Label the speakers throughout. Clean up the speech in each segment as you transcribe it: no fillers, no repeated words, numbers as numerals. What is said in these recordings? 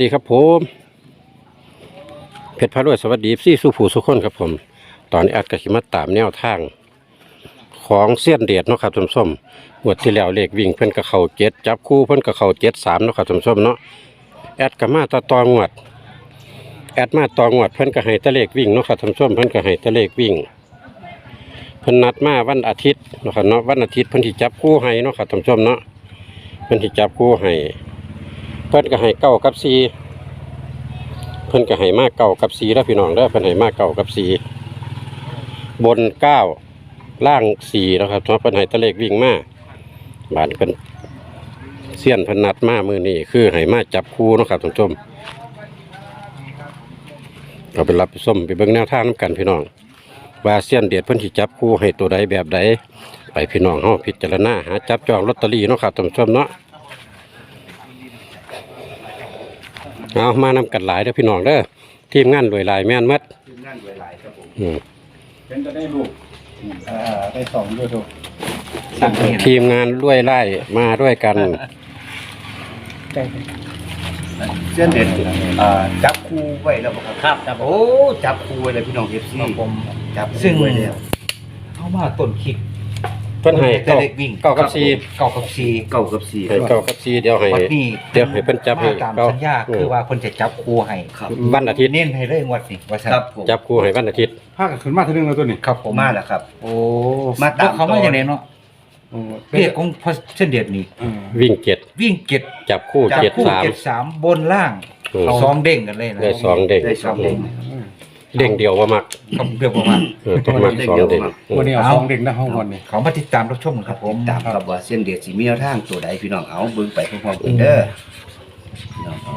Speaker 1: ดีครับผมเพชรพารวยสวัสดีซี่สุผู้สุคนครับผมตอนนี้อัดกระขิมาตามแนวทางของเสี้ยนเดียดเนาะครับท่านผู้ชมงวดที่แล้วเลขวิ่งเพิ่นกับเขาเจ็ดจับคู่เพิ่นกับเขา73เนาะครับท่านผู้ชมเนาะแอดกับมาตองวดแอดมาตองวดเพิ่นก็ให้แตะเลขวิ่งเนาะครับท่านผู้ชมเพิ่นก็ให้แตะเลขวิ่งเพิ่นนัดมาวันอาทิตย์เนาะครับเนาะวันอาทิตย์เพิ่นสิจับคู่ให้เนาะครับท่านผู้ชมเนาะเพิ่นสิจับคู่ให้เพิ่นก็ให้9กับ4เพิ่นก็ให้มา9กับ4แล้วพี่น้องเด้อเพิ่นให้มา9กับ4บน9ล่าง4แล้วครับเพราะเพิ่นให้ตะเลขวิ่งมาบาดเพิ่นเสี้ยนเพิ่นนัดมามื้อนี้คือให้มาจับคู่เนาะครับท่านผู้ชมเราไปรับไปส้มไปเบิ่งแนวทางนำกันพี่น้องว่าเสี้ยนเด็ดเพิ่นสิจับคู่ให้ตัวใดแบบใดไปพี่น้องเฮาพิจารณาหาจับจองลอตเตอรี่เนาะครับท่านผู้ชมเนาะเอามานำกันหลายเด้อพี่น้องเด้อทีมงานรวยหลายแม่นหมด
Speaker 2: ทีมงานรวยหลายครับผม
Speaker 3: เป็นจะได้ลูกได้สองด้วยถูก
Speaker 1: ทีมงานรวยไล่มาด้วยกัน
Speaker 2: เส้นเด็ดจับคู่ไว้แล้วบ่ครับ
Speaker 3: ครับครับ
Speaker 2: โอ้จับคู่ไว้เลยพี่น้อง FC
Speaker 3: ผม
Speaker 2: จับ
Speaker 3: ซึ่ง
Speaker 2: คู่ไว้แล้ว
Speaker 3: เข้ามาต้นคิด
Speaker 1: เพิ่นให้
Speaker 3: แต่เด็กวิ่ง
Speaker 1: เก้ากับสี่
Speaker 3: เก้ากับสี่
Speaker 2: เก้ากับ4
Speaker 1: ให้เก้ากับ4เดี๋ยวให้
Speaker 3: วันนี้
Speaker 1: เดี๋ยวให้เพิ่นจับให้
Speaker 3: มาตาม
Speaker 1: เก้า
Speaker 3: สัญญาคือว่าเพิ่นจะจับคู่ให้
Speaker 2: ครับ
Speaker 1: วันอาทิตย์
Speaker 3: เน้นให้เลยงวดนี้ว่าซั่น
Speaker 2: ครับผม
Speaker 1: จับคู่ให้วันอาทิตย์
Speaker 4: ภาคขึ้นมาทีนึงแล้วตัวนี้
Speaker 3: ครับผม
Speaker 2: มาแล้วครับ
Speaker 3: โอ้
Speaker 2: มาตาม
Speaker 3: เขามาอย่างไรเนาะเรียกของพระเส้นเดียดนี่
Speaker 1: วิ่งเจ็ด
Speaker 3: วิ่งเก็ด
Speaker 1: จับคู่
Speaker 3: จับ
Speaker 1: เจ็ด
Speaker 3: คู่
Speaker 1: สาม
Speaker 3: เก็ดสามบนล่าง
Speaker 1: อืม
Speaker 3: สองเด้งกันเลยนะ
Speaker 1: ได้สองเด้ง
Speaker 2: ได้สองเด้ง
Speaker 1: เด้งเดียวว่ามัก
Speaker 3: ครับเรียกว่า
Speaker 1: ต้องมักสองเด้ง
Speaker 4: วันนี้เอาสองเด็กนะห้องวันนี้
Speaker 3: เขามาติดตามรับชมครับผม
Speaker 2: ตามครับว่าเส้นเด็ดสิมีแนวทางตัวใดพี่น้องเอาเบิ่งไปพร้อมๆกันเด้อพี่น้องเอา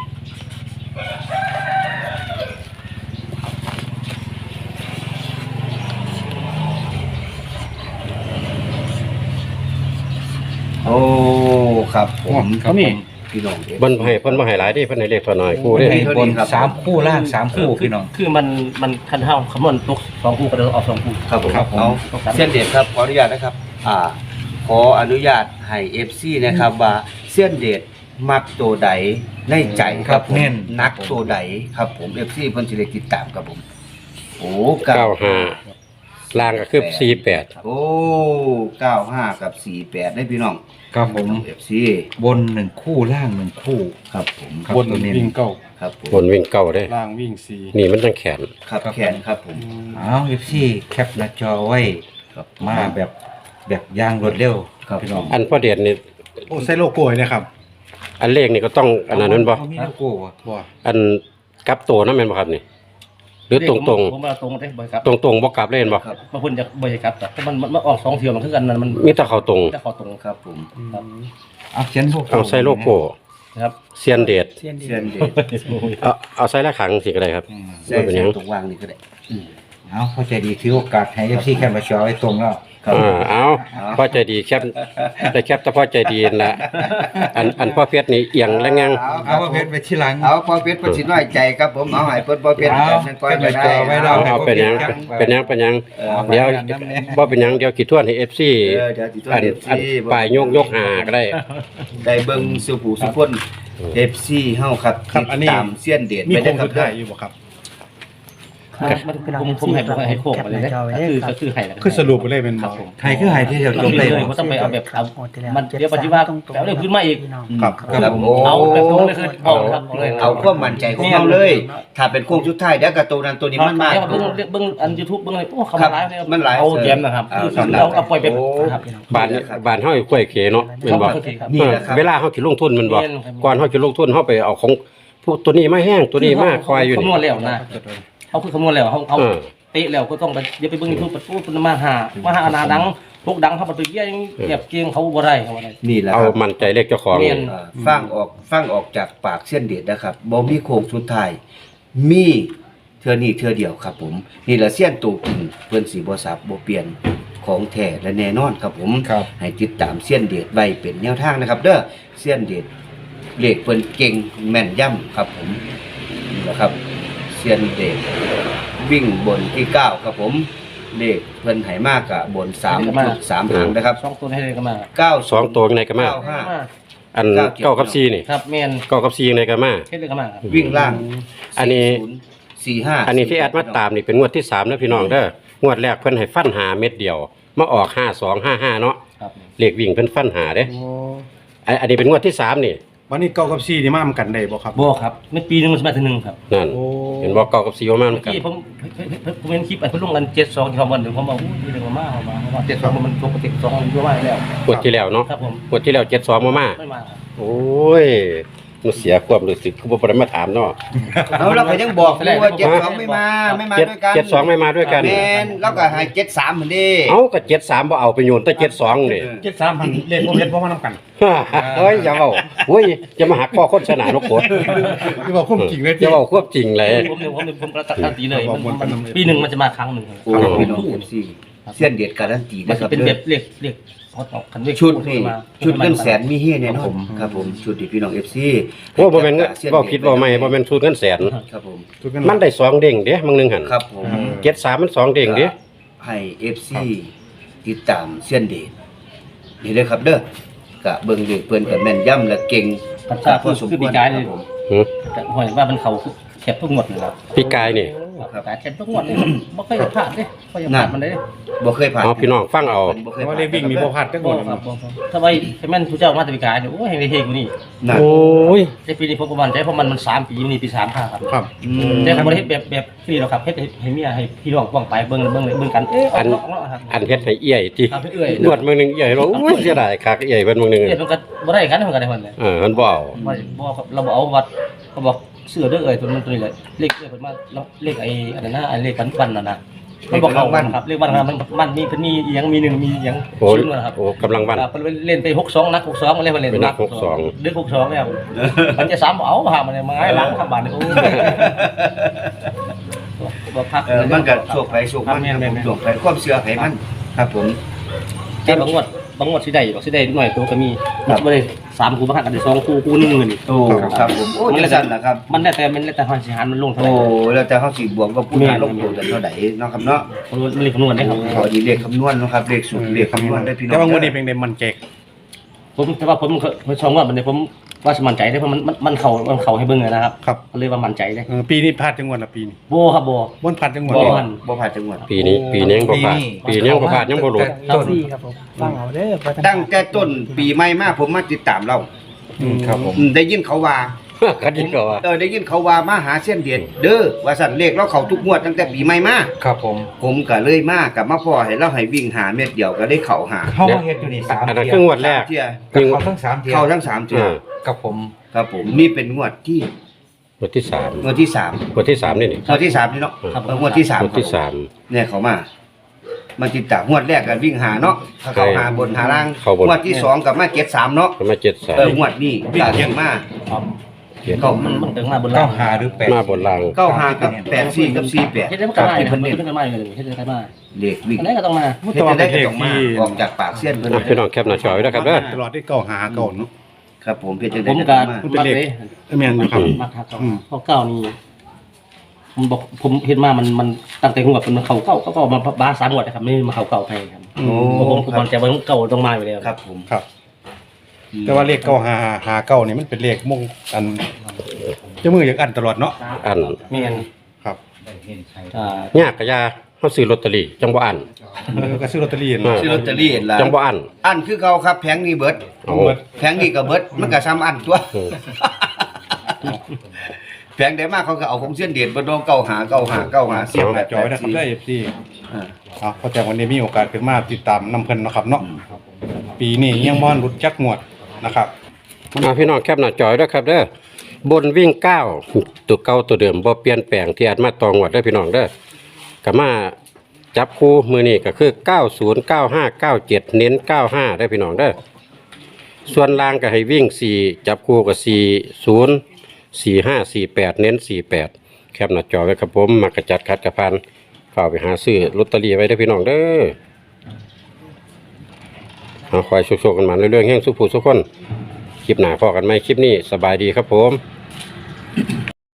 Speaker 2: โอ้ครับผมครับผมพี่น้องเด้อ
Speaker 1: เพิ่นบ่ให้หลายเด้เพิ่นให้เลขเท่าน้อยคู่เด้
Speaker 3: ให้บนสามคู่ล่างสามคู่พี่น้อง
Speaker 5: คือมันคันเท่าคำนวณตกสองคู่ก็เดินออกสองคู่
Speaker 2: ครับผม
Speaker 3: ครับผม
Speaker 2: เอาเส้นเด็ดครับขออนุญาตนะครับขออนุญาตให้ FC นะครับว่าเส้นเด็ดมักตัวใดในใจครับผม
Speaker 3: เน้น
Speaker 2: นักตัวใดครับผม FC เพิ่นสิได้ติดตามครับผมโอ้
Speaker 1: 95ล่างก็คือ48
Speaker 2: โอ้95กับ48ได้พี่น้อง
Speaker 3: ครับผม
Speaker 2: FC
Speaker 3: บนหนึ่งคู่ล่างหนึ่งคู่
Speaker 2: ครับผม
Speaker 3: ครับ
Speaker 4: บน
Speaker 3: ตัวนี้
Speaker 4: วิ่งเก้า
Speaker 2: ครับผม
Speaker 1: บนวิ่งเก้าเด้
Speaker 4: ล่างวิ่งสี่
Speaker 1: นี่มันจังแขน
Speaker 2: ครับแขนครับผม
Speaker 3: เอาเอฟซีแคปหน้าจอไว้
Speaker 2: ครับ
Speaker 3: มาแบบย่างรวดเร็ว
Speaker 2: ครับ
Speaker 3: พี่น้อง
Speaker 1: อันพ่อเดชนี่
Speaker 4: โอ้ใส่โลโก้เลยนะครับ
Speaker 1: อันเลขนี่ก็ต้องอันนั้นแม่นบ่
Speaker 3: เขามีโลโก้อะ
Speaker 4: บ่
Speaker 1: อันกลับตัวนั่นแม่นบ่ครับนี่หรือตรง
Speaker 5: ผมมาตรงได้บ่อยครับ
Speaker 1: ๆตรงๆบ่กลับเล่นบ่
Speaker 2: ครับ
Speaker 5: บางคนจะบ่อยครับแต่เพราะมันออกสองเที่ยวมันคือกันมัน
Speaker 1: มีแต่เข้าตรง
Speaker 5: จะเข้าตรง
Speaker 2: ครับผม
Speaker 3: เอาเขียนโลโก้
Speaker 1: เอาใส่โลโก้
Speaker 5: นะครับ
Speaker 1: เซียนเดช
Speaker 2: เส้นเด็ด
Speaker 1: เอาใส่ละขังสิก็ได้ครับ
Speaker 2: ใส่ตรงวางนี่ก็ได้
Speaker 3: เอาเข้าใจดีถือโอกาสให้เอฟซีแคปหน้าจอไว้ตรงแล้ว
Speaker 2: ครับ
Speaker 1: เอาพ่อใจดีแคบแต่แคบแต่พ่อใจดีนั่นละอันพ่อเพชรนี่เอียงแล้วงัง
Speaker 3: เอาว่าเพชรไปที่หลัง
Speaker 2: เอาพอเพชรเพิ่นสิน้อยใจครับผมเอาให้เพิ่นพอเพชร
Speaker 3: เอา
Speaker 2: จังก้อยไปได้
Speaker 3: ไว้รอ
Speaker 1: เอาเป็นหยังเป็นหยังเดี๋ยวบ่เป็นหยังเดี๋ยวกี่ทวนให้ FC
Speaker 2: เดี๋ยวสิตัว
Speaker 1: อัน
Speaker 2: เด็ด
Speaker 1: อัน
Speaker 2: สิ
Speaker 1: ปลายยกหาก็ได้
Speaker 2: ได้เบิ่งสุผู้สุคน FC เฮาครับ
Speaker 4: ครับอันนี้
Speaker 2: ตามเสี้ยนเดช
Speaker 4: มี
Speaker 2: ไป
Speaker 4: โค
Speaker 2: ได้
Speaker 4: ง
Speaker 2: ครั
Speaker 4: สุ
Speaker 2: บ
Speaker 4: ดท้ายอยู่บ่ครับ
Speaker 5: ผมให้โคกมาเลยนะคือให้แล้ว
Speaker 4: คือสรุปไปเลยเป็น
Speaker 5: ครับ
Speaker 4: บ่
Speaker 5: ผม
Speaker 3: ไทยคือไฮที่เดียวจบเลย
Speaker 5: มันต้องไปเอาแบบมันเดี๋ยวปฏิวัติแล้วเรื่องพื้นมาอีก
Speaker 4: ครับ
Speaker 2: ครับโอ้
Speaker 5: เอาแบบตรงเลยคือเอาครับเลย
Speaker 2: เอาความมั่นใจของเราเลย ถ้าเป็นโค้งสุดท้ายเดี๋ยวกับตัวนั้นตัวนี้มันมาก
Speaker 5: เบิ่งอัน YouTube เบิ่งอะไรโอ้เขามาไลฟ์
Speaker 2: มันหลาย
Speaker 5: เอาแกมนะครับคือเราเอาปล่อยแบบครับ
Speaker 1: บ้านเฮาอยู่กล้วยเขเนาะแม่นบ่
Speaker 2: นี่แหละครับ
Speaker 1: เวลาเฮาสิลงทุนแมันบ่
Speaker 5: แม่นครับ
Speaker 1: ก่อนเฮาสิลงทุนเฮาไปเอาของผู้ตัวนี้มาแห้งตัวนี้มาคอยอยู่
Speaker 5: คำน
Speaker 1: นี่
Speaker 5: วณแล้วนะเขาคือคำนวณแล้วเขา
Speaker 1: เออ
Speaker 5: เตะแล้วก็ต้องไปเดี๋ยวไปเบิ่งยูทูบปุ๊บมาหาอนาดังพวกดังเขาไปเยี่ยงเก็บเกียงเขาบ่ได้เขาบ่ได้
Speaker 2: นี่แหละ
Speaker 1: เอา
Speaker 2: ครับ
Speaker 1: มั่นใจเลขเจ้าของ
Speaker 5: แม่น
Speaker 2: ฟังออกจากปากเส้นเดชนะครับบ่มีโค้งสุดท้ายมีเทื่อนี้เทื่อเดียวครับผมนี่แหละเส้นตัวจริงเพิ่นสิบ่สับบ่เปลี่ยนของแท้และแน่นอนครับผม
Speaker 3: ครับ
Speaker 2: ให้ติดตามเส้นเดชไว้เป็นแนวทางนะครับ เด้อเส้นเดชเลขเพิ่นเก่งแม่นย่ำครับผมนี่แหละครับเส้นเดชวิ่งบนที่9ครับผมเลขเพิ่นให้มากกะบน3 3หางนะครับ
Speaker 5: สองตัวให้เลยก็มา
Speaker 2: 9
Speaker 1: สองตัวในก็มา
Speaker 2: 95
Speaker 1: อันเก้ากับซีนี่
Speaker 5: ครับแม่น
Speaker 1: เก้ากับซีในก็มา
Speaker 5: เฮ็ดเลยก็มาครับ
Speaker 2: วิ่งล่าง
Speaker 1: อันนี้
Speaker 2: 40 45
Speaker 1: อันนี้ที่แอดมาตามนี่เป็นงวดที่3นะพี่น้องเด้องวดแรกเพิ่นให้ฟันหาเม็ดเดียวมาออก5255เนาะ
Speaker 5: ครับ
Speaker 1: เลขวิ่งเพิ่นฟันหาเด้
Speaker 5: โอ้
Speaker 1: อันนี้เป็นงวดที่3นี่
Speaker 4: วันนี้เก้ากับซีนี่มากันได้บ่ครับ
Speaker 5: บ่ครับในปีหนึงมันสิมาทีนึงครับ
Speaker 1: นั่น
Speaker 4: โอ้
Speaker 1: เห็นบ่เก้ากับซีว่ามันกัน
Speaker 5: ที่ผมเห็นคลิปไอ้เพิ่นลงกัน72ที่เขาบ่นเดี๋ยวผมบอกอู้ยเรื่องมาเอามาว่า72มันปกติ2มันเยอะมากแล้ว
Speaker 1: งวดที่แล้วเนาะ
Speaker 5: ครับผม
Speaker 1: งวดที่แล้ว72มา
Speaker 5: ไม่มาครับ
Speaker 1: โอ้ยมันเสียความรู้สึกคือบ่ได้มาถามเนาะ
Speaker 2: เอาเราก็ยังบอกอยู่ว่า72ไม่มาด้วยกัน
Speaker 1: 72ไม่มาด้วยกัน
Speaker 2: แม่นแล้วก็ให้73เหมือนเดิ
Speaker 1: เอ้าก็73บ่เอาไปโยนแต่72นี่
Speaker 4: 73,000เลขบ่เฮ็ดบ่มานำกัน
Speaker 1: เฮ้ยอย่าเอาโอ้ยจะมาหักคอคนชนะนกกด
Speaker 4: ที่ว่าความจริงเลย
Speaker 1: จะเอาควบจริงเลย
Speaker 5: ผมกระตันตีเลย
Speaker 4: บอกวนกันนำ
Speaker 5: ปีหนึงมันจะมาครั้งหนึงครับ
Speaker 2: โอ้พี่น้อง FC เส้นเด็ดการันตี
Speaker 5: มัน
Speaker 2: นะค
Speaker 5: จะ
Speaker 2: รับ
Speaker 5: เป็น
Speaker 2: เด้
Speaker 5: แบ
Speaker 2: อบ
Speaker 5: เรียกคันเรียก
Speaker 2: ชุดนี่
Speaker 5: มา
Speaker 2: ชุดเงินแสนมีเฮ็ดแน่นอนครับผมชุดที่พี่น้อง FC
Speaker 1: โอ้บ่แม่นเงินบ่ผิดบ่ไม่บ่แม่นสูตรเงินแสน
Speaker 2: ครับผม
Speaker 1: มันได้2เด้งเด้มึงนึงหั่น
Speaker 2: ครับผม
Speaker 1: 73มัน2เด้งเด้
Speaker 2: ให้ FC ติดตามเส้นเดชนี่เลยครับเด้อกะเบิ่งเด็กเพิ่นก็แม่นย่ำและเก่ง
Speaker 5: ครับครับ
Speaker 2: พอสม
Speaker 5: คือ
Speaker 2: ค
Speaker 5: ปี
Speaker 2: วร
Speaker 5: กาย
Speaker 2: ค
Speaker 5: เล
Speaker 2: รั
Speaker 5: ย
Speaker 2: บผม
Speaker 1: หือ
Speaker 5: แต่หอยว่ามันเขาแคบทุกงวดเลยครับ
Speaker 1: พี่กายนี่
Speaker 5: ครับแต่แคบทุกงวดเลยบ่เคยพลาดเด้บ่เคยพลาดมันเลย
Speaker 2: บ่เคยผ่าน
Speaker 1: เอาพี่น้องฟังเอา
Speaker 2: บ่เค
Speaker 4: เพ
Speaker 2: ย
Speaker 4: ราะว่า
Speaker 2: ผ่าน
Speaker 4: เลขวิ่งมีบ่พลาดจัก
Speaker 5: บ่
Speaker 4: บ่
Speaker 5: ครับบ่ถ้าไว้ให้มันผู้เจ้ามาแต่ปีกายเนี่ยโอ้ยให้ได้เฮกว่านี่
Speaker 2: นั่น
Speaker 1: โอ้ย
Speaker 5: ในปีนี้ผมประมาณใจเพราะมัน3ปีนี่ปี35ครับ
Speaker 4: ครับ
Speaker 2: อืม
Speaker 5: แต่ผมบ่ได้เฮ็ดแบบนี่หรอกครับเฮ็ดให้เมียให้พี่น้องป้องไปเบิ่งกันเอ๊ะออกเนาะครับ
Speaker 1: อันเฮ็ดให้เอี้ยติ
Speaker 5: ครับเอื้อย
Speaker 1: นวดมื้อนึงเอี้ยเราโอ้ยเสียดายคักเอี้ยเพิ่นมื้อนึง
Speaker 5: เอ๊ะมันก็บ่ได้กันมันก็ได้เพิ่นเลย
Speaker 1: มันบ่เอา
Speaker 5: บ่ครับเราบ่เอาวัดเขาบอกเสื้อเด้อเอ้ยตัวนี้เลยเลขเอ้ยเพิ่นมาเลขไอ้อันนั้นนะไอ้เลขวันน่ะนะมันบอกเขาครับเลขวันครับมันมีเพิ่นมีอีหยังมี1มีอีหยัง
Speaker 1: โอ้ย
Speaker 5: ชิ้นนะครับ
Speaker 1: โอ้กำลังวัน
Speaker 5: ครับเพิ่นเล่นไป62นัก62มันเล่นมันเล่น
Speaker 1: เป็นนัก62
Speaker 5: ดึก62แล้วมันจะ3บ่เอาหามันมาให้หลังครับบาดนี้โอ้บ่พัก
Speaker 2: มันก็โชคไปโชคมันครับผมโชคไปความเชื่อไผมันครับผม
Speaker 5: แต่บางงวดสิได้บ่สิได้หน่อยตัวก็มีมันบ่ได้3คู่บ่หักกันได้2คู่คู่นึงนี่
Speaker 2: โอ้ครับผมโอ้จังซั่นล่ะครับ
Speaker 5: มันแล้วแต่หันสิหันมันลงเท่าไห
Speaker 2: โอ้
Speaker 5: ร่
Speaker 2: แล้วแต่เฮาสิบวกกับผู้ทานลงตัวกันเท่าใดเนาะครับเนาะ
Speaker 5: มันเลยคำนวณได้ครับ
Speaker 2: ขอดีเลขคำนวณเนาะครับเลขสูตรเลขคำนวณได้พี่น้อง
Speaker 4: แต่ว่างวดนี้เป็นได้มันแจก
Speaker 5: แต่ว่าผมชมว่ามันเนี่ยผมว่าสมั่นใจได้เพราะมันเข่าให้เบิ่งเลยนะครับ
Speaker 4: ครับ
Speaker 5: ก็เลยว่ามั่นใจได้
Speaker 4: ปีนี้พลาดจังหวัดละปีนี้
Speaker 5: โบครับโบ
Speaker 4: บ่พลาดจังหวัด
Speaker 5: บ่
Speaker 4: เลย
Speaker 5: มัน
Speaker 2: บ่ผ่านจังหวัด
Speaker 1: ปีนี้ยังบ่พลาดปีนี้ยังบ่พลาดยังบ่หลุด
Speaker 5: ครับ
Speaker 6: ครับผมฟังเอาเด้อ
Speaker 2: ตั้งแต่ต้นปีใหม่มาผมมาติดตามเรา
Speaker 4: ครับผม
Speaker 2: ได้ยินเขาว่า
Speaker 1: กันดีกว่า
Speaker 2: ได้ยินเขาว่ามาหาเส้นเดียดเด้อว่าสั่นเลขเราเข้าทุกงวดตั้งแต่ปีใหม่มา
Speaker 4: ครับผม
Speaker 2: ผมก็เลยมากับมาพ่อให้เราให้วิ่งหาเม็ดเดียวก็ได้เข้าหา
Speaker 3: เข้ามาเฮ็ดอยู่นี่3
Speaker 1: อันนั้น
Speaker 3: เที่
Speaker 1: คืองวดแรก
Speaker 2: เที่ย
Speaker 1: ยิง
Speaker 3: เข้าทั้ง3เที่ย
Speaker 2: เข้าทั้ง3เที่ย
Speaker 3: กับผม
Speaker 2: ครับผมนี่เป็นงวดที่
Speaker 1: งวดที่3
Speaker 2: งวดที่3
Speaker 1: งวดที่3นี่นี่
Speaker 2: งวดที่3นี่เนาะ
Speaker 1: ครับ
Speaker 2: งวดที่3
Speaker 1: งวดที่
Speaker 2: เนี่ยเขามาติดตามงวดแรกก็วิ่งหาเนาะถ้าเข้าหาบนหาล่าง
Speaker 1: เข้าบน
Speaker 2: งวดที่2กับมาเก็ต3เนาะ
Speaker 1: ก็มา
Speaker 2: งวดนี้ก็เก็มา
Speaker 1: 73
Speaker 2: เข้า
Speaker 5: มันถึงมาบนล่าง
Speaker 3: 9หาหรือ8
Speaker 1: มาบนล่าง
Speaker 2: เข้าหากับ84กับ48
Speaker 5: เฮ็ดได้มันก็ได้ครับเฮ็ดได้มาอยู่เลยเฮ็ดได้มา
Speaker 2: เลขวิ่ง
Speaker 5: อันนี้ก็ต้องมา
Speaker 2: เฮ็ดได้ก็ต้องมาออกจากปากเสี้ยนเพิ่น
Speaker 1: อ่ะพี่น้องแคปหน้าจอไว้นะครับเด้อ
Speaker 4: ตลอดที่เก้าหาเก้าเนาะ
Speaker 2: ครับผมเฮ็ดจัง
Speaker 5: ผ
Speaker 2: ได๋
Speaker 5: ม
Speaker 2: ก็
Speaker 5: ก็
Speaker 2: ต้องมา
Speaker 4: มันเป็นเลข แม่นอยู่ครับ
Speaker 5: มักครับเพราะเก้านี่ผมบอกผมเฮ็ดมามันตั้งแต่หัวเป็นเข้าเก้าก็มาบ้า3งวดนะครับไม่มาเข้าเก้าให้ครับ
Speaker 2: โอ้
Speaker 5: ผมมั่นใจว่าเก้าต้องมาอยู่แล้ว
Speaker 2: ครับผม
Speaker 4: ครับ แต่ว่าเลขเก้าหาเก้านี่มันเป็นเลขมงอันเจ้ามืออย่างอันตลอดเนาะ
Speaker 1: อัน
Speaker 5: แม่น
Speaker 4: ครับ
Speaker 1: ยากกะยาเฮาซื้อลอตเตอรี่จังบ่อัน
Speaker 4: ก็ซื้อลอตเตอรี่เนาะ
Speaker 2: ซื้อลอตเตอรี่เห็นล่ะ
Speaker 1: จังบ่อัน
Speaker 2: อันคือเขาครับแผงนี้เบิด
Speaker 1: เอา
Speaker 2: แผงนี้ก็เบิดมันก็ซ้ำอันตัว
Speaker 1: เออ
Speaker 2: แผงได้มากเขาก็เอาของเส้นเด็ดบ่โดนเก้าหาเสียบแบบ
Speaker 4: จอยนะครับได้ FC
Speaker 2: อ่า
Speaker 4: พอแต่วันนี้มีโอกาสขึ้นมาติดตามนำเพิ่นเนาะครับเนาะปีนี้ยังบ่รุดจักงวดนะครับ
Speaker 1: พี่น้องแคปหน้าจอไว้ด้วยครับเด้อบนวิ่ง9ตัวเก่าตัวเดิมบ่เปลี่ยนแปลงที่อัดมาตองวดเด้อพี่น้องเด้อก็มาจับคู่มือนี้ก็คือ90 95 97เน้น95ได้อพี่น้องเด้อส่วนล่างก็ให้วิ่ง4จับคู่ก็40 45 48เน้น48แคปหน้าจอไว้ครับผมมากระจัดคัดกระพันเข้าไปหาซื้อลอตเตอรี่ไว้เด้อพี่น้องเด้อเอาคอยโชคๆกันมาเรื่อยๆแห่งสุขผู้สุขคนคลิปหน้าพอกันไหมคลิปนี้สบายดีครับผม